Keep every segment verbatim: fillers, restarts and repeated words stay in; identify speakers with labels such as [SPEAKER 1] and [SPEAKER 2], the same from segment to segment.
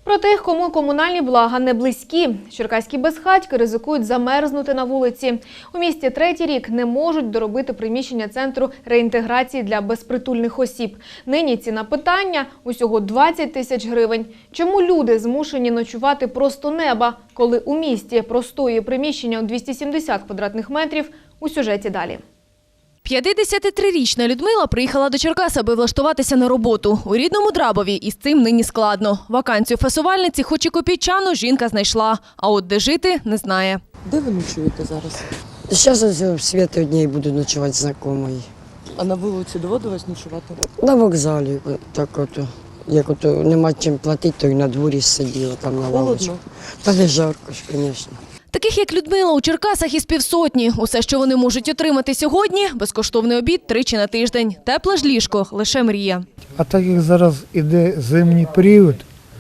[SPEAKER 1] Про тих, кому комунальні блага не близькі. Черкаські безхатьки ризикують замерзнути на вулиці. У місті третій рік не можуть доробити приміщення центру реінтеграції для безпритульних осіб. Нині ціна питання – усього двадцять тисяч гривень. Чому люди змушені ночувати просто неба, коли у місті простоює приміщення у двісті сімдесят квадратних метрів? У сюжеті далі.
[SPEAKER 2] п'ятдесятитрирічна Людмила приїхала до Черкас, аби влаштуватися на роботу. У рідному Драбові із цим нині складно. Вакансію фасувальниці, хоч і копійчану, жінка знайшла. А от де жити – не знає.
[SPEAKER 3] Де ви ночуєте зараз?
[SPEAKER 4] Зараз в світі одній буду ночувати знайомої.
[SPEAKER 3] А на вулиці доводилось ночувати?
[SPEAKER 4] На вокзалі, так от, як от нема чим платити, то і на дворі сиділа там на лавочку.
[SPEAKER 3] Холодно?
[SPEAKER 4] Та не жарко ж, звісно.
[SPEAKER 2] Таких, як Людмила, у Черкасах із півсотні. Усе, що вони можуть отримати сьогодні – безкоштовний обід тричі на тиждень. Тепле ж ліжко – лише мрія.
[SPEAKER 5] А так як зараз іде зимній період,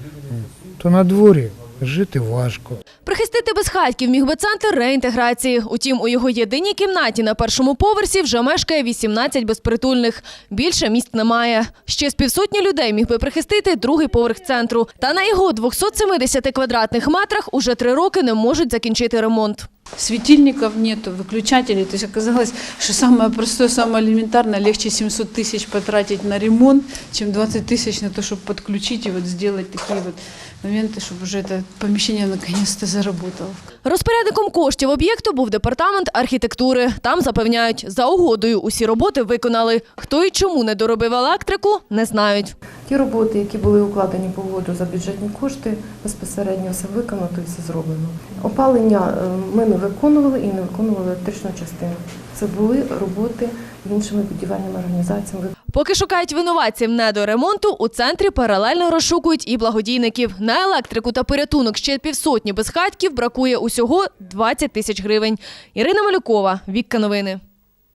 [SPEAKER 5] то на дворі жити важко.
[SPEAKER 2] Прихистити безхатьків міг би центр реінтеграції. Утім, у його єдиній кімнаті на першому поверсі вже мешкає вісімнадцять безпритульних. Більше місць немає. Ще з півсотні людей міг би прихистити другий поверх центру. Та на його двохсот семидесяти квадратних метрах уже три роки не можуть закінчити ремонт.
[SPEAKER 6] Светильников нету, выключателей. То есть оказалось, что самое простое, самое элементарное, легче семьсот тысяч потратить на ремонт, чем двадцать тысяч на то, чтобы подключить и вот сделать такие вот моменты, чтобы уже это помещение наконец-то заработало.
[SPEAKER 2] Розпорядником коштів об'єкту був департамент архітектури. Там запевняють, за угодою усі роботи виконали. Хто і чому не доробив електрику – не знають.
[SPEAKER 7] Ті роботи, які були укладені по угоду за бюджетні кошти, безпосередньо все виконано і все зроблено. Опалення ми не виконували і не виконували електричну частину. Це були роботи іншими будівельними організаціями.
[SPEAKER 2] Поки шукають винуватців недоремонту, у центрі паралельно розшукують і благодійників. На електрику та порятунок ще півсотні безхатьків бракує усього двадцять тисяч гривень. Ірина Малюкова, Вікка Новини.